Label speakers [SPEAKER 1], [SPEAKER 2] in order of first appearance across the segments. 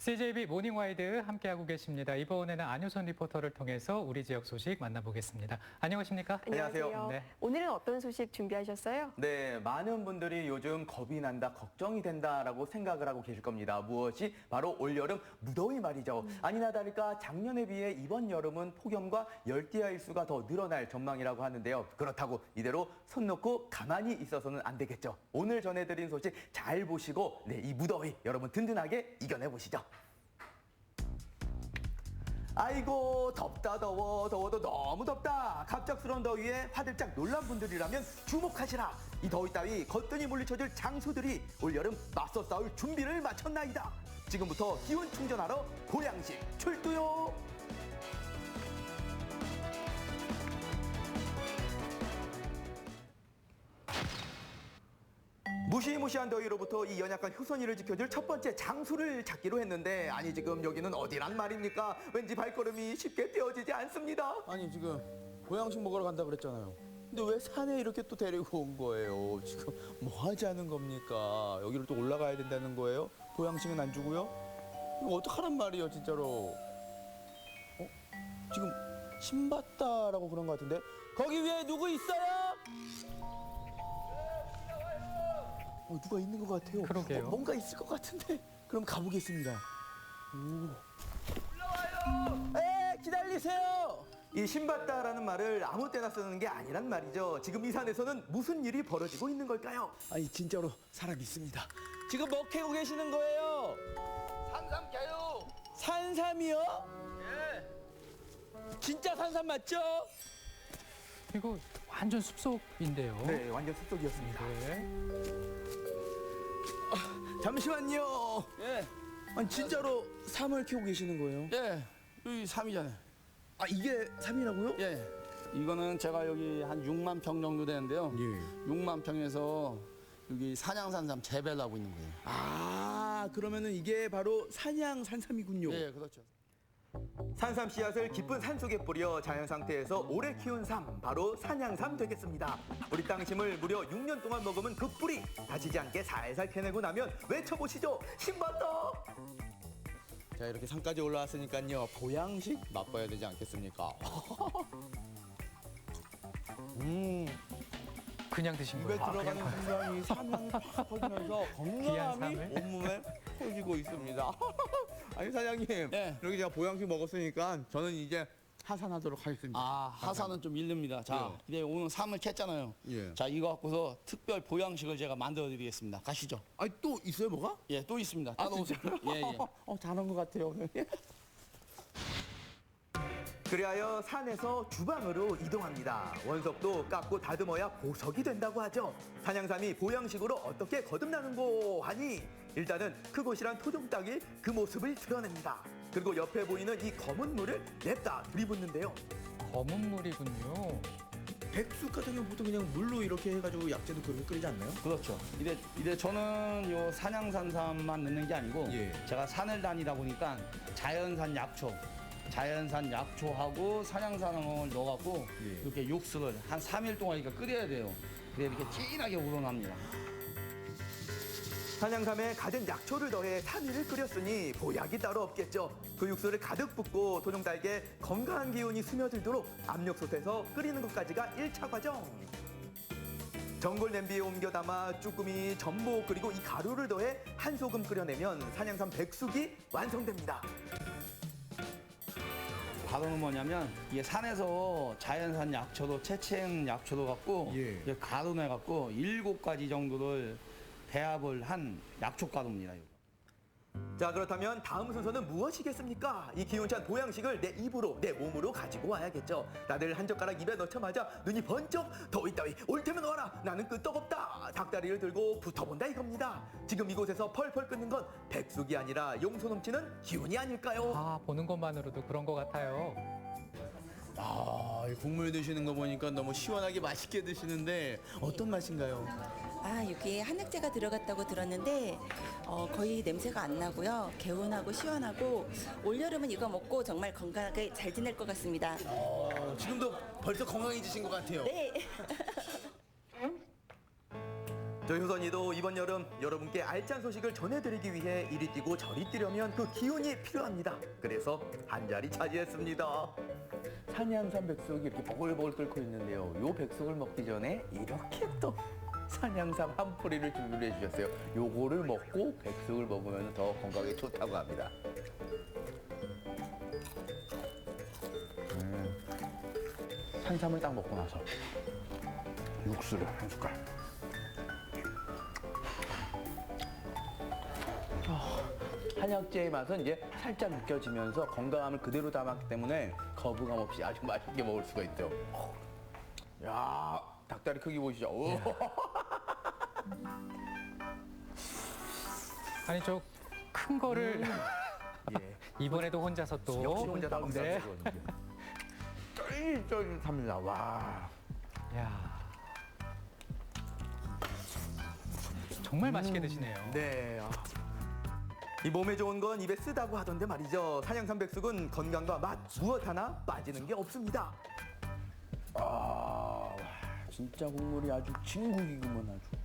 [SPEAKER 1] CJB 모닝와이드 함께하고 계십니다. 이번에는 안효선 리포터를 통해서 우리 지역 소식 만나보겠습니다. 안녕하십니까?
[SPEAKER 2] 안녕하세요.
[SPEAKER 1] 네.
[SPEAKER 2] 오늘은 어떤 소식 준비하셨어요?
[SPEAKER 3] 네, 많은 분들이 요즘 겁이 난다, 걱정이 된다라고 생각을 하고 계실 겁니다. 무엇이? 바로 올여름 무더위 말이죠. 아니나 다를까 작년에 비해 이번 여름은 폭염과 열대야 일수가 더 늘어날 전망이라고 하는데요. 그렇다고 이대로 손 놓고 가만히 있어서는 안 되겠죠. 오늘 전해드린 소식 잘 보시고 이 무더위 여러분 든든하게 이겨내보시죠. 아이고 덥다 더워도 너무 덥다. 갑작스러운 더위에 화들짝 놀란 분들이라면 주목하시라. 이 더위 따위 거뜬히 물리쳐줄 장수들이 올여름 맞서 싸울 준비를 마쳤나이다. 지금부터 기운 충전하러 보양식 출두요. 무시무시한 더위로부터 이 연약한 효선이를 지켜줄 첫 번째 장수를 찾기로 했는데 아니 지금 여기는 어디란 말입니까? 왠지 발걸음이 쉽게 떼어지지 않습니다.
[SPEAKER 4] 아니 지금 보양식 먹으러 간다 그랬잖아요. 근데 왜 산에 이렇게 또 데리고 온 거예요? 지금 뭐 하자는 겁니까? 여기를 또 올라가야 된다는 거예요? 보양식은 안 주고요? 이거 어떡하란 말이에요 진짜로? 지금 신봤다라고 그런 것 같은데 거기 위에 누구 있어요? 누가 있는 것 같아요.
[SPEAKER 1] 그러게요.
[SPEAKER 4] 뭔가 있을 것 같은데. 그럼 가보겠습니다. 올라와요. 기다리세요.
[SPEAKER 3] 이 신받다라는 말을 아무 때나 쓰는 게 아니란 말이죠. 지금 이 산에서는 무슨 일이 벌어지고 있는 걸까요?
[SPEAKER 4] 아니 진짜로 사람 있습니다. 지금 뭐 캐고 계시는 거예요?
[SPEAKER 5] 산삼 캐요.
[SPEAKER 4] 산삼이요?
[SPEAKER 5] 예.
[SPEAKER 4] 진짜 산삼 맞죠?
[SPEAKER 1] 이거 완전 숲속인데요.
[SPEAKER 3] 네, 완전 숲속이었습니다.
[SPEAKER 1] 네.
[SPEAKER 4] 잠시만요.
[SPEAKER 5] 예.
[SPEAKER 4] 아니 진짜로 삼을 캐고 계시는 거예요?
[SPEAKER 5] 예. 여기 삼이잖아요.
[SPEAKER 4] 아 이게 삼이라고요?
[SPEAKER 5] 예. 이거는 제가 여기 한 6만 평 정도 되는데요.
[SPEAKER 4] 예.
[SPEAKER 5] 6만 평에서 여기 산양산삼 재배를 하고 있는 거예요.
[SPEAKER 4] 아 그러면은 이게 바로 산양 산삼이군요.
[SPEAKER 5] 예, 그렇죠.
[SPEAKER 3] 산삼 씨앗을 깊은 산속에 뿌려 자연 상태에서 오래 키운 삶, 바로 산양삼 되겠습니다. 우리 땅심을 무려 6년 동안 먹으면 그 뿌리 다치지 않게 살살 캐내고 나면 외쳐보시죠. 신받다!
[SPEAKER 4] 자 이렇게 산까지 올라왔으니까요 보양식 맛봐야 되지 않겠습니까?
[SPEAKER 1] 그냥 드신
[SPEAKER 4] 입에
[SPEAKER 1] 거예요.
[SPEAKER 4] 들어가는 순간 이 삼향이 팍 퍼지면서
[SPEAKER 1] 귀한
[SPEAKER 4] 건강함이
[SPEAKER 1] 삼을.
[SPEAKER 4] 온몸에 퍼지고 있습니다. 아니 사장님
[SPEAKER 5] 예.
[SPEAKER 4] 이렇게 제가 보양식 먹었으니까 저는 이제 하산하도록 하겠습니다.
[SPEAKER 5] 아, 하산은 좀 일릅니다. 자, 근데 오늘 삼을 캤잖아요.
[SPEAKER 4] 예.
[SPEAKER 5] 자, 이거 갖고서 특별 보양식을 제가 만들어 드리겠습니다. 가시죠.
[SPEAKER 4] 아니 또 있어요 뭐가?
[SPEAKER 5] 예, 또 있습니다. 따라오세요. 예, 예.
[SPEAKER 4] 잘한 것 같아요.
[SPEAKER 3] 그리하여 산에서 주방으로 이동합니다. 원석도 깎고 다듬어야 보석이 된다고 하죠. 산양삼이 보양식으로 어떻게 거듭나는고 하니 일단은 크고실한 토종닭이 그 모습을 드러냅니다. 그리고 옆에 보이는 이 검은 물을 냅다 들이붓는데요.
[SPEAKER 1] 검은 물이군요.
[SPEAKER 4] 백숙 같은 경우 보통 그냥 물로 이렇게 해가지고 약재도 그렇게 끓이지 않나요?
[SPEAKER 5] 그렇죠. 이래 저는 요 산양산삼만 넣는 게 아니고
[SPEAKER 4] 예.
[SPEAKER 5] 제가 산을 다니다 보니까 자연산 약초하고 산양산을 넣어갖고
[SPEAKER 4] 예.
[SPEAKER 5] 이렇게 육수를 한 3일 동안 이렇게 끓여야 돼요. 그래 이렇게 진하게 우러납니다.
[SPEAKER 3] 산양삼에 가진 약초를 더해 3일을 끓였으니 보약이 따로 없겠죠. 그 육수를 가득 붓고 토종닭에 건강한 기운이 스며들도록 압력솥에서 끓이는 것까지가 1차 과정. 전골 냄비에 옮겨 담아 쭈꾸미, 전복 그리고 이 가루를 더해 한 소금 끓여내면 산양삼 백숙이 완성됩니다.
[SPEAKER 5] 가루는 뭐냐면 이게 산에서 자연산 약초도 채채 약초도 갖고
[SPEAKER 4] 예.
[SPEAKER 5] 이게 가루 내갖고 7가지 정도를 배합을 한 약초 가루입니다. 이거.
[SPEAKER 3] 자, 그렇다면 다음 순서는 무엇이겠습니까? 이 기운찬 보양식을 내 입으로, 내 몸으로 가지고 와야겠죠. 다들 한 젓가락 입에 넣자마자 눈이 번쩍 더위 따위 올 테면 와라. 나는 끄떡없다. 닭다리를 들고 붙어본다 이겁니다. 지금 이곳에서 펄펄 끓는 건 백숙이 아니라 용소 넘치는 기운이 아닐까요?
[SPEAKER 1] 아, 보는 것만으로도 그런 것 같아요.
[SPEAKER 4] 이 국물 드시는 거 보니까 너무 시원하게 맛있게 드시는데 어떤 맛인가요?
[SPEAKER 6] 아, 여기에 한약재가 들어갔다고 들었는데 거의 냄새가 안 나고요. 개운하고 시원하고 올여름은 이거 먹고 정말 건강하게 잘 지낼 것 같습니다.
[SPEAKER 4] 지금도 벌써 건강해지신 것 같아요.
[SPEAKER 6] 네.
[SPEAKER 3] 저희 효선이도 이번 여름 여러분께 알찬 소식을 전해드리기 위해 이리 뛰고 저리 뛰려면 그 기운이 필요합니다. 그래서 한 자리 차지했습니다. 산양산 백숙이 이렇게 보글보글 끓고 있는데요. 요 백숙을 먹기 전에 이렇게 또 산양삼 한 포리를 준비해 주셨어요. 요거를 먹고 백숙을 먹으면 더 건강에 좋다고 합니다. 산삼을 딱 먹고 나서 육수를 한 숟갈. 한약재의 맛은 이제 살짝 느껴지면서 건강함을 그대로 담았기 때문에 거부감 없이 아주 맛있게 먹을 수가 있죠. 야, 닭다리 크기 보시죠. 오.
[SPEAKER 1] 아니 저 큰 거를
[SPEAKER 3] 예.
[SPEAKER 1] 이번에도 혼자서 또
[SPEAKER 3] 역시 혼자 다
[SPEAKER 1] 네.
[SPEAKER 3] 먹는 쫄깃쫄깃합니다. 와.
[SPEAKER 1] 야. 정말 맛있게 드시네요.
[SPEAKER 3] 네. 아. 이 몸에 좋은 건 입에 쓰다고 하던데 말이죠. 산양삼 백숙은 건강과 맛 무엇 하나 빠지는 게 없습니다.
[SPEAKER 4] 아, 진짜 국물이 아주 진국이구먼 아주.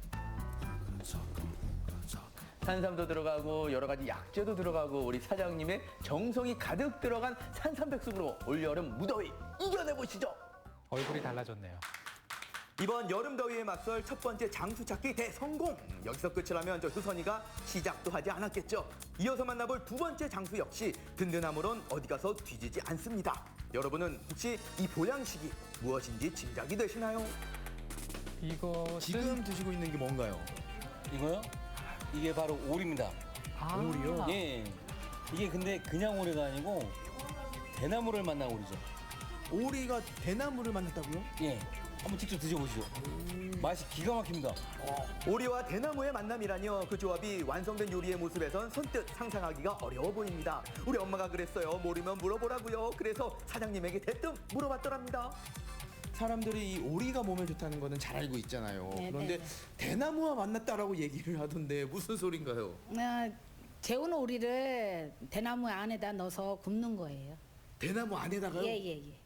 [SPEAKER 3] 산삼도 들어가고 여러 가지 약재도 들어가고 우리 사장님의 정성이 가득 들어간 산삼 백숙으로 올여름 무더위 이겨내 보시죠.
[SPEAKER 1] 얼굴이 달라졌네요.
[SPEAKER 3] 이번 여름 더위에 맞설 첫 번째 장수 찾기 대성공. 여기서 끝을 하면 저 효선이가 시작도 하지 않았겠죠. 이어서 만나볼 두 번째 장수 역시 든든함으론 어디 가서 뒤지지 않습니다. 여러분은 혹시 이 보양식이 무엇인지 짐작이 되시나요?
[SPEAKER 1] 이것은
[SPEAKER 4] 지금 드시고 있는 게 뭔가요?
[SPEAKER 7] 이거요? 이게 바로 오리입니다.
[SPEAKER 1] 아,
[SPEAKER 4] 오리요?
[SPEAKER 7] 예. 이게 근데 그냥 오리가 아니고 대나무를 만난 오리죠.
[SPEAKER 4] 오리가 대나무를 만났다고요?
[SPEAKER 7] 예. 한번 직접 드셔보시죠. 맛이 기가 막힙니다.
[SPEAKER 3] 오리와 대나무의 만남이라뇨. 그 조합이 완성된 요리의 모습에선 선뜻 상상하기가 어려워 보입니다. 우리 엄마가 그랬어요. 모르면 물어보라고요. 그래서 사장님에게 대뜸 물어봤더랍니다.
[SPEAKER 4] 사람들이 이 오리가 몸에 좋다는 거는 잘 알고 있잖아요.
[SPEAKER 8] 네,
[SPEAKER 4] 그런데
[SPEAKER 8] 네.
[SPEAKER 4] 대나무와 만났다라고 얘기를 하던데 무슨 소린가요?
[SPEAKER 8] 재운 오리를 대나무 안에다 넣어서 굽는 거예요.
[SPEAKER 4] 대나무 안에다가요?
[SPEAKER 8] 예예예.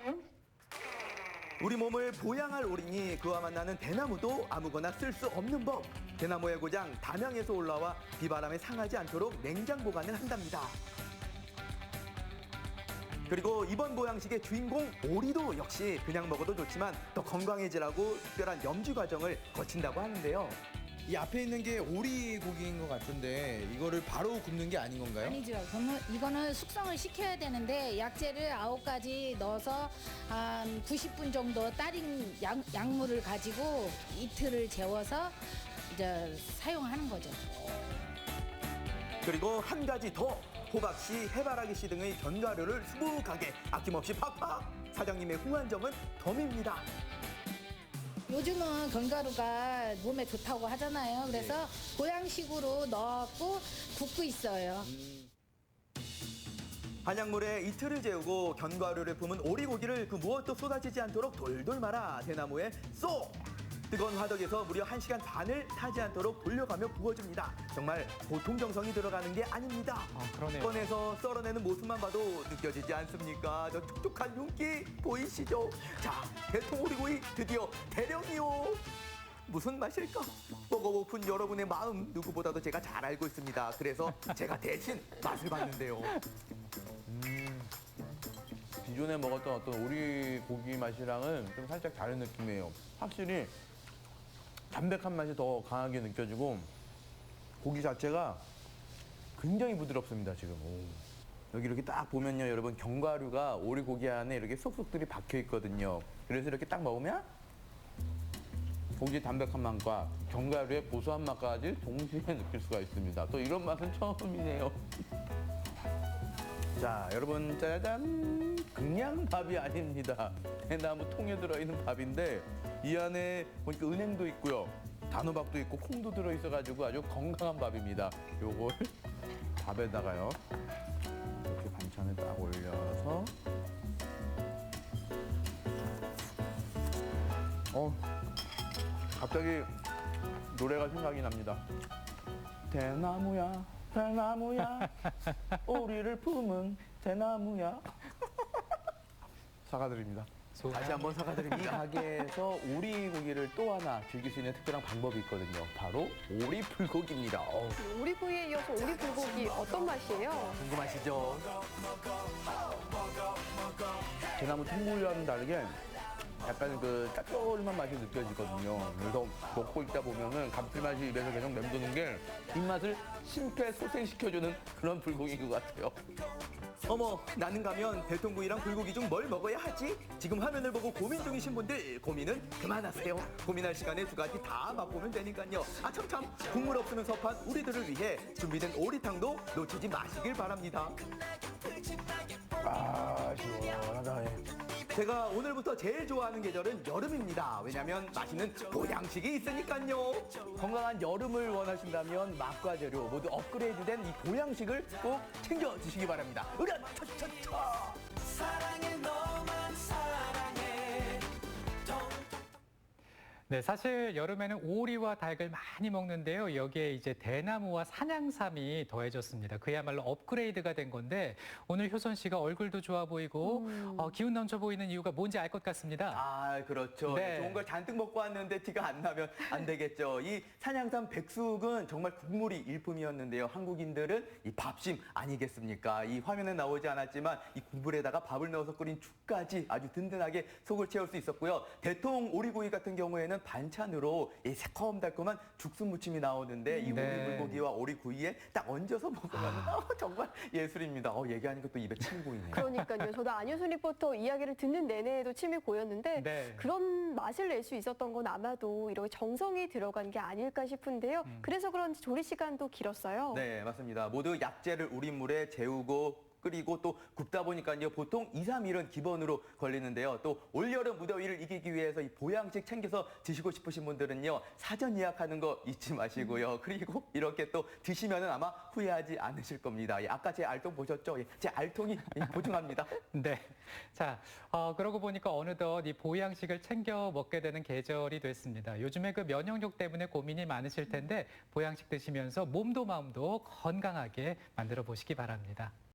[SPEAKER 3] 우리 몸을 보양할 오리니 그와 만나는 대나무도 아무거나 쓸 수 없는 법. 대나무의 고장 담양에서 올라와 비바람에 상하지 않도록 냉장 보관을 한답니다. 그리고 이번 보양식의 주인공 오리도 역시 그냥 먹어도 좋지만 더 건강해지라고 특별한 염지 과정을 거친다고 하는데요.
[SPEAKER 4] 이 앞에 있는 게 오리 고기인 것 같은데 이거를 바로 굽는 게 아닌 건가요?
[SPEAKER 8] 아니죠. 그러면 이거는 숙성을 시켜야 되는데 약재를 9가지 넣어서 한 90분 정도 따린 약물을 가지고 이틀을 재워서 이제 사용하는 거죠.
[SPEAKER 3] 그리고 한 가지 더. 호박씨, 해바라기씨 등의 견과류를 수북하게 아낌없이 팍팍. 사장님의 후한점은 덤입니다.
[SPEAKER 8] 요즘은 견과류가 몸에 좋다고 하잖아요. 그래서 보양식으로 넣고 굽고 있어요.
[SPEAKER 3] 한약물에 이틀을 재우고 견과류를 품은 오리고기를 그 무엇도 쏟아지지 않도록 돌돌 말아 대나무에 쏙! 뜨거운 화덕에서 무려 1시간 반을 타지 않도록 돌려가며 구워줍니다. 정말 보통 정성이 들어가는 게 아닙니다.
[SPEAKER 1] 아, 그러네요.
[SPEAKER 3] 꺼내서 썰어내는 모습만 봐도 느껴지지 않습니까? 저 촉촉한 윤기 보이시죠? 자, 대통 오리고기 드디어 대령이요. 무슨 맛일까? 먹어보픈 여러분의 마음 누구보다도 제가 잘 알고 있습니다. 그래서 제가 대신 맛을 봤는데요.
[SPEAKER 9] 기존에 먹었던 어떤 오리 고기 맛이랑은 좀 살짝 다른 느낌이에요. 확실히 담백한 맛이 더 강하게 느껴지고 고기 자체가 굉장히 부드럽습니다, 지금. 오. 여기 이렇게 딱 보면요, 여러분 견과류가 오리 고기 안에 이렇게 쏙쏙들이 박혀 있거든요. 그래서 이렇게 딱 먹으면 고기 담백한 맛과 견과류의 고소한 맛까지 동시에 느낄 수가 있습니다. 또 이런 맛은 처음이네요. 자, 여러분 짜잔! 그냥 밥이 아닙니다. 대나무 통에 들어있는 밥인데 이 안에 보니까 은행도 있고요. 단호박도 있고 콩도 들어있어가지고 아주 건강한 밥입니다. 요걸 밥에다가요. 이렇게 반찬을 딱 올려서 갑자기 노래가 생각이 납니다. 대나무야, 대나무야, 오리를 품은 대나무야. 사과드립니다.
[SPEAKER 3] 다시 한번 사과드립니다. 이 가게에서 오리고기를 또 하나 즐길 수 있는 특별한 방법이 있거든요. 바로 오리 불고기입니다.
[SPEAKER 2] 오리구이에 이어서 오리 불고기 어떤 맛이에요?
[SPEAKER 3] 궁금하시죠?
[SPEAKER 9] 대나무 통굴과는 다르게 약간 그 짭조름한 맛이 느껴지거든요. 그래서 먹고 있다 보면은 감칠맛이 입에서 계속 맴도는 게 입맛을 심폐소생시켜주는 그런 불고기인 것 같아요.
[SPEAKER 3] 어머, 나는 가면 대통구이랑 불고기 중 뭘 먹어야 하지? 지금 화면을 보고 고민 중이신 분들 고민은 그만하세요. 고민할 시간에 두 가지 다 맛보면 되니까요. 아 참 국물 없으면 섭한 우리들을 위해 준비된 오리탕도 놓치지 마시길 바랍니다.
[SPEAKER 9] 아, 시원하다. 예.
[SPEAKER 3] 제가 오늘부터 제일 좋아하는 계절은 여름입니다. 왜냐면 맛있는 보양식이 있으니까요. 건강한 여름을 원하신다면 맛과 재료 모두 업그레이드된 이 보양식을 꼭 챙겨 드시기 바랍니다. 으랴차차차!
[SPEAKER 1] 네, 사실 여름에는 오리와 닭을 많이 먹는데요. 여기에 이제 대나무와 산양삼이 더해졌습니다. 그야말로 업그레이드가 된 건데 오늘 효선 씨가 얼굴도 좋아 보이고 기운 넘쳐 보이는 이유가 뭔지 알 것 같습니다.
[SPEAKER 3] 아, 그렇죠.
[SPEAKER 1] 네.
[SPEAKER 3] 좋은 걸 잔뜩 먹고 왔는데 티가 안 나면 안 되겠죠. 이 산양삼 백숙은 정말 국물이 일품이었는데요. 한국인들은 이 밥심 아니겠습니까? 이 화면에 나오지 않았지만 이 국물에다가 밥을 넣어서 끓인 죽까지 아주 든든하게 속을 채울 수 있었고요. 대통 오리구이 같은 경우에는 반찬으로 이 새콤달콤한 죽순 무침이 나오는데 이
[SPEAKER 1] 네.
[SPEAKER 3] 오리 불고기와 오리구이에 딱 얹어서 먹으면 정말 예술입니다. 얘기하니까 또 입에 침이 고이네요.
[SPEAKER 2] 그러니까요. 저도 안효순 리포터 이야기를 듣는 내내에도 침이 고였는데
[SPEAKER 1] 네.
[SPEAKER 2] 그런 맛을 낼 수 있었던 건 아마도 이렇게 정성이 들어간 게 아닐까 싶은데요. 그래서 그런지 조리 시간도 길었어요.
[SPEAKER 3] 네, 맞습니다. 모두 약재를 우린 물에 재우고 끓이고 또 굽다 보니까요. 보통 2, 3일은 기본으로 걸리는데요. 또 올여름 무더위를 이기기 위해서 이 보양식 챙겨서 드시고 싶으신 분들은요. 사전 예약하는 거 잊지 마시고요. 그리고 이렇게 또 드시면은 아마 후회하지 않으실 겁니다. 아까 제 알통 보셨죠? 제 알통이 보증합니다.
[SPEAKER 1] 네. 자, 그러고 보니까 어느덧 이 보양식을 챙겨 먹게 되는 계절이 됐습니다. 요즘에 그 면역력 때문에 고민이 많으실 텐데 보양식 드시면서 몸도 마음도 건강하게 만들어 보시기 바랍니다.